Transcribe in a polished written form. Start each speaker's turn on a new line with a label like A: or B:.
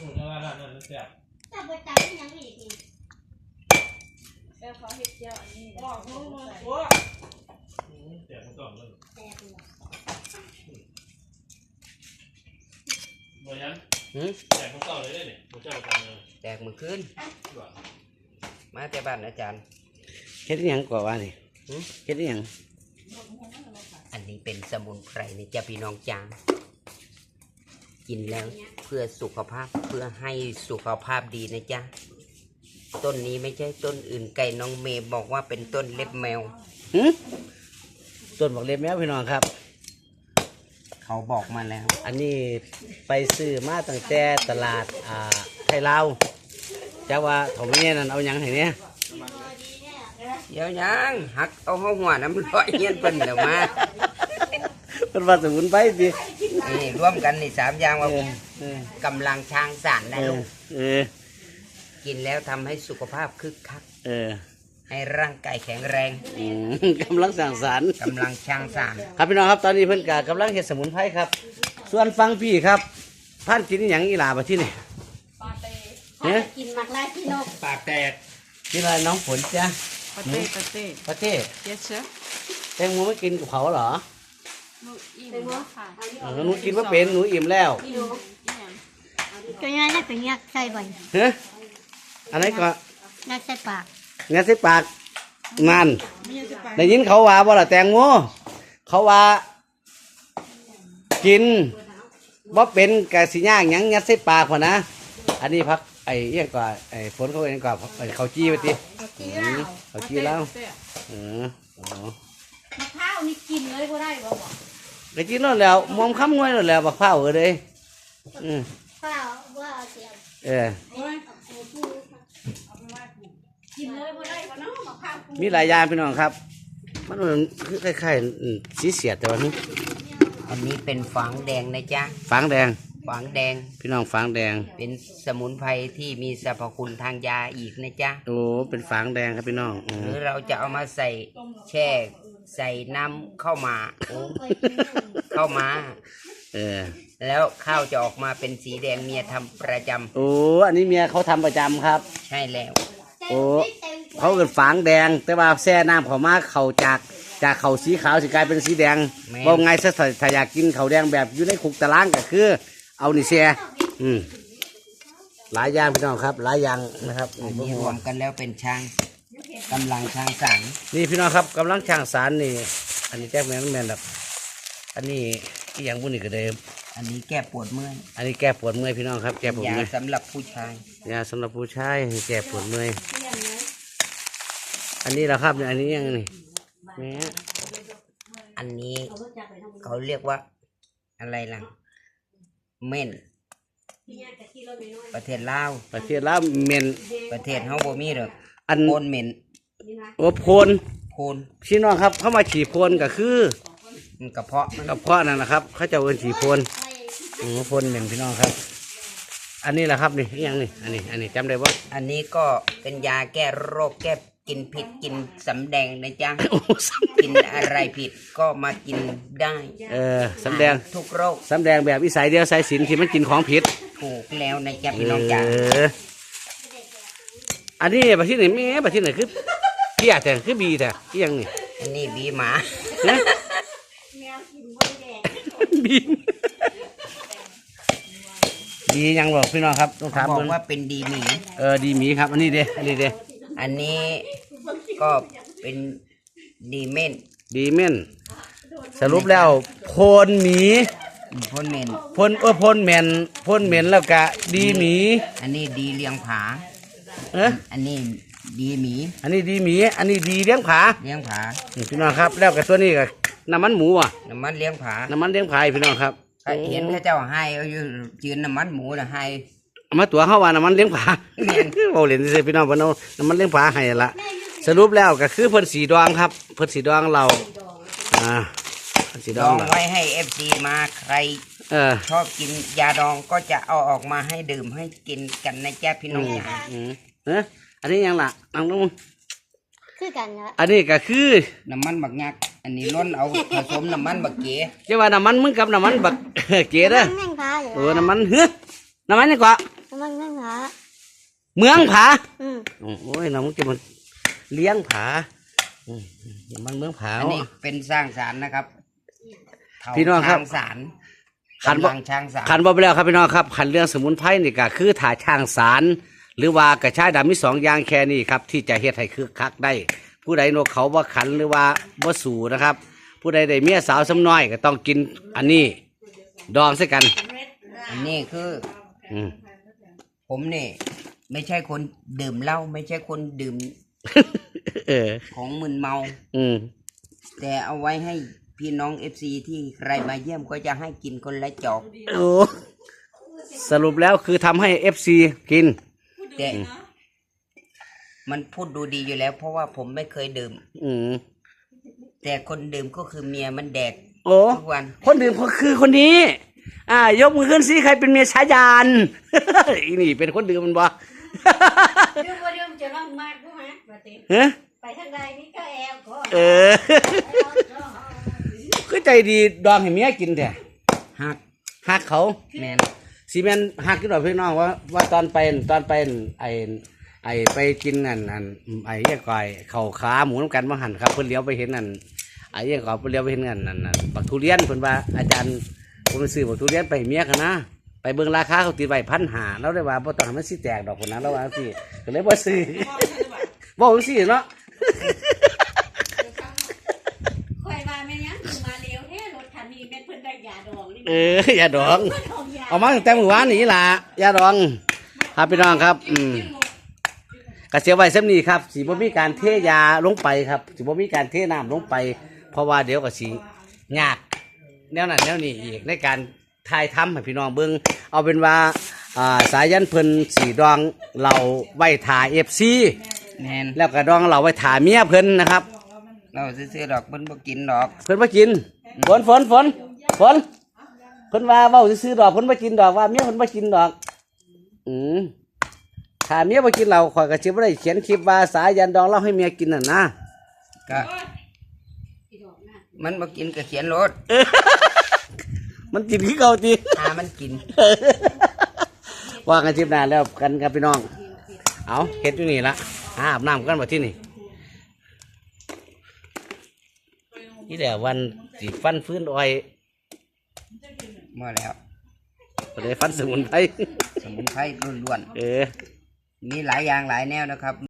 A: นั่นแซ่บ
B: ถ้าบดตายยังอีก
C: แล้วเขาเห็ดเจียวอันนี้
A: แซ่บมันก่อนเลย
B: แตกเลย
A: บ่ยันแตกมันก่อนเลยเนี่ยบ่เจ้าทำเลย
D: แตกมือขึ้นมาแต่บ้านอาจารย์
E: เฮ็ดยังก่อว่านี่เฮ็ดยัง
D: อันนี้เป็นสมุนไพรนี่จะพี่น้องจางกินแล้วเพื่อสุขภาพเพื่อให้สุขภาพดีนะจ๊ะต้นนี้ไม่ใช่ต้นอื่นไก่น้องเมย์บอกว่าเป็นต้นเล็บแมว
E: ต้นบอกเล็บแมวพี่น้องครับ
D: เขาบอกมาแล้ว
E: อันนี้ไปซื้อมาตั้งแต่ตลาดไทยลาวจะว่าเขาไม่เนี่ยนั่นเอายังไงเนี่ย
D: เดี๋ยวยังหักเอาหัวน้ำร้อยเงี้ยเป็นเดี๋ยวมา
E: เป็นว่าสมุนไพรดิ
D: นี่ร่วมกันนี่3อย่างว่ากำลังช้างสารนะลูกกินแล้วทำให้สุขภาพคึกคักให้ร่างกายแข็งแรง
E: กำลังสร้างสรรค์
D: กำลังช้างสาร
E: ครับพี่น้องครับตอนนี้เพิ่นกำลังเฮ็ดสมุนไพรครับส่วนฟังพี่ครับท่านกินอย่างอีหลาบ่ที่นี่
C: ปลาเต้
B: เนี่ยกินหมักลายพี่นก
A: ปากแตก
E: กินอะไรน้องฝนจ้ะ
C: ปลาเต้ปลาเต้
E: ปลาเต้
C: yes sir
E: แตงโมไม่กินกับเขาเหรอ
C: หนูอิ่มแล้วค่ะ
E: หนูกินว่าเป็นหนูอิ่มแล้ว
B: ตัวนี้น่าเป็นยักษ์ใส่บ่อย
E: ฮะอะไรก็
B: ยักษ์ใส่ปาก
E: งัดใส่ปากนั่นได้ยินเขาว่าบ่ล่ะแตงโมเขาว่ากินบ่เป็นกะสิย่างหยังงัดใส่ปากพอนะอันนี้พักไอ้เอี้ยก่อนไอ้ฝนเขาเองก่อนเขาจี้ไปทีเขาจี้แล้ว
B: มะพร้าวนี่กินเลยก็ได้บ่บอก
E: ไปกินแล้วแล้วมอมค้ำงวยแล้วมะพร้าวเลย
B: ข้าวว่าเสียกินเลยก็ได้ก็เนาะมะพร้าว
E: มีหลายอย่างพี่น้องครับมันคือคล้ายๆสีเสียดแต่ว่านี้
D: อันนี้เป็นฝางแดงนะจ๊ะ
E: ฝางแดง
D: ฝางแดง
E: พี่น้องฝางแดง
D: เป็นสมุนไพรที่มีสรรพคุณทางยาอีกนะจ๊ะ
E: โอ้เป็นฝางแดงครับพี่น้อง
D: หรือเราจะเอามาใส่แช่ใส่น้ำเข้ามาแล้วข้าวจะออกมาเป็นสีแดงเมียทำประจำ
E: โอ้อันนี้เมียเขาทำประจำครับ
D: ใช่แล้ว
E: โอ้เขาเกิดฝางแดงแต่ว่าแช่น้ำเขามาเขาจากเขาสีขาวสีกลายเป็นสีแดงว่าไงถ้าอยากกินเขาแดงแบบอยู่ในคุกตารางก็คือเอานี่แช่หลายอย่างพี่น้องครับหลายอย่างนะครับ
D: อันนี้รวมกันแล้วเป็นช้างกำลังช้างสาร
E: นี่พี่น้องครับกำลังช้างสารนี่อันนี้แก้แมนแบบอันนี้ที่อย่างบุญนี่ก็เดิม
D: อันนี้แก้ปวดเมื่อย
E: อันนี้แก้ปวดเมื่อยพี่น้องครับแก้ปวดเมื่อย
D: ยาสำหรับผู้ชาย
E: ยาสำหรับผู้ชายแก้ปวดเมื่อยอันนี้เราครับอันนี้ยังนี่
D: อันนี้เขาเรียกว่าอะไรล่ะเม่นประเทศลาว
E: เม่น
D: ประเทศเฮาบ่มีหรอก
E: อัน
D: โพนเม่น
E: โอ้โพนพี่น้องครับเข้ามาฉี่โพนก็คื
D: อกระเพาะ
E: นั่นแหละครับเขาจะเอิ้นฉี่โพนโพนเม่นพี่น้องครับอันนี้แหละครับนี่ยังนี่อันนี้จำได้ว่า
D: อันนี้ก็เป็นยาแก้โรคแก้กินผิดกินสำแดงนะจ๊ะกินอะไรผิดก็มากินได้
E: สำแดง
D: ทุกโรค
E: สำแดงแบบวิสัยเดียวสายสินที่มันกินของผิด
D: ถูกแล้วนะจ๊ะพี่น้องจ๋า
E: อันนี้ประเทศไหนแม่ประเทศไหนคือเพี้ยแต่คือบีแต่ที่ยังนี่
D: อันนี้บีหมา
E: บียังบอกพี่น้องครับต้องถาม
D: บอกว่าเป็นดีหมี
E: ดีหมีครับอันนี้เด้
D: อันนี้ก็เป็นดีเม่น
E: สรุปแล้วโพนหมี
D: โพนเม่น
E: โพนเม่นแล้วก็ดีหมี
D: อันนี้ดีเลี้ยงผาอันนี้ดีหมี
E: อันนี้ดีหมีอันนี้ดีเลี้ยงผาพี่น้องครับแล้วกับตัวนี้ก็น้ำมันหมู
D: น้ำมันเลี้ยงผา
E: พี่น้องครับ
D: เห็นพระเจ้าให้เอาอยู่จืนน้ำมันหมูนะให้
E: มาตัวเข้าว่าน้ำมันเลี้ยงผาโอ้เล่นสิพี่น้องพี่น้องน้ำมันเลี้ยงผาให้ละสรุปแล้วก็คือเพิ่นสีดองครับเพิ่นสีดองเรา
D: สีดองไว้ให้FCมาใครชอบกินยาดองก็จะเอาออกมาให้ดื่มให้กินกันนะจ๊ะพี่น้อง
E: อันนี้ยังล่ะน้อง
B: คือกันนะ
E: อันนี้ก็คือ
D: น้ำมันบักยักอันนี้ล้นเอาผสมน้ำมันบักเก๋
E: จะว่าน้ำมันมึงกับน้ำมันบักเก๋เด้อน้ำมันนี่กว่า
B: มันนั่งหา
E: เมืองผา
B: อืม
E: โอ้ยน้องมึงจะมันเลี้ยงผามันเมืองผา
D: อันนี้เป็นสร้างสารนะครับเถา
E: พี่น้องครับ
D: ช้างสาร
E: ขันบ่
D: กำลังช้างสาร
E: ขันบ่ไปแล้วครับพี่น้องครับขันเรื่องสมุนไพรนี่ก็คือถ่าช่างสารหรือว่ากระชายดำมี2อย่างแค่นี้ครับที่จะเฮ็ดให้คึกคักได้ ผู้ใดโนเขาว่าขันหรือว่าบ่สู่นะครับ ผู้ใดได้เมียสาวซ้ำน้อยก็ต้องกินอันนี้ดองใส่กัน
D: อันนี้คือ
E: อืม
D: ผมนี่ไม่ใช่คนดื่มเหล้าไม่ใช่คนดื่ม
E: เออ
D: ของมึนเมา
E: อืม
D: แต่เอาไว้ให้พี่น้อง FC ที่ใครมาเยี่ยมก็จะให้กินคนละจอก
E: โอ้สรุปแล้วคือทำให้ FC กิน
D: แต่มันพูดดูดีอยู่แล้ว เพราะว่าผมไม่เคยดื่ม
E: อืม
D: แต่คนดื่มก็คือเมียมันแดก
E: โอ้
D: ทุกวัน
E: คนดื่มก็คือคนนี้ ยกมือขึ้นสิใครเป็นเมียชายาน อีนี่เป็นคนดื่มมันบ่
B: เรื่องว่าเรื่องจะร้องมากด้วยฮะปกติ
E: เฮ้
B: ไปทางใดนี่ก็แอลก็
E: เออ คือใจดีดองให้เมียกินแต่
D: หัก
E: หักเขา
D: แมน
E: ซีเมนหักกินหน่อยพี่น้องว่าตอนไปไอไปกินนั่นไอ้ยังก่อยเข่าขาหมูน้ำกันมาหั่นครับเพิ่นเลี้ยวไปเห็นนั่นไอ้ยังก่อยเพิ่นเลี้ยวไปเห็นนั่นบักทุเรียนเพิ่นว่าอาจารย์ผมไปซื้อบักทุเรียนไปให้เมียกันนะไปเบิ่งราคาเขาตีไว้1,500แล้วได้ว่าบ่ต้องให้มันสิแตกดอกคนนั้นแล้วว่าสิก็เลยบ่ซื้อบ่จังซี่เนาะ
B: คอยมาแม่ยังคือมาเร็วแท้รถคันนี้แม่เพิ่นได้ยาดองนี่
E: อย่าดอง
B: เพิ่นเอายา
E: เอามาตั้งแต่เมื่อวานนี้ล่ะอย่าดองครับพี่น้องครับกระเสียไว้ซ้ำนี้ครับสิบ่มีการเทยาลงไปครับสิบ่มีการเทน้ำลงไป เพราะว่าเดี๋ยวก็สิยากแนวนั้นแนวนี้อีกในการถ่ายทำให้พี่น้องเบิ่งเอาเป็นว่าสายันเพิ่นสีดองเราไว้ถ่า FC
D: แมน
E: แล้วก็ดองเราไว้ถ่าเมียเพิ่นนะครับ
D: เราซื้อๆดอกเพิ่นบ่กินดอก
E: เพิ่นบ่กินฝนเพิ่นว่าเว้าซื่อๆดอกเพิ่นบ่กินดอกว่าเมียเพิ่นบ่กินดอกถ้าเมียบ่กินเราข่อยก็สิบ่ได้เขียนคลิปว่าสายันดองเราให้เมียกินน่ะนะ
D: ก็มันบ่กินก็เขียนรถ
E: มันกินคือเก่าติ
D: มันกิน
E: ว่ากันคลิปหน้าแล้วกันครับพี่น้องเอาเฮ็ดอยู่นี่ละอาบน้ำกันบ่ที่นี่นี่แหละวันสิฟันฟื้นอ้อย
D: มาแล้ว
E: บ่ได้ฟันสมุนไพร
D: สมุนไพรล้วน
E: เออ
D: ๆมีหลายอย่างหลายแนวนะครับ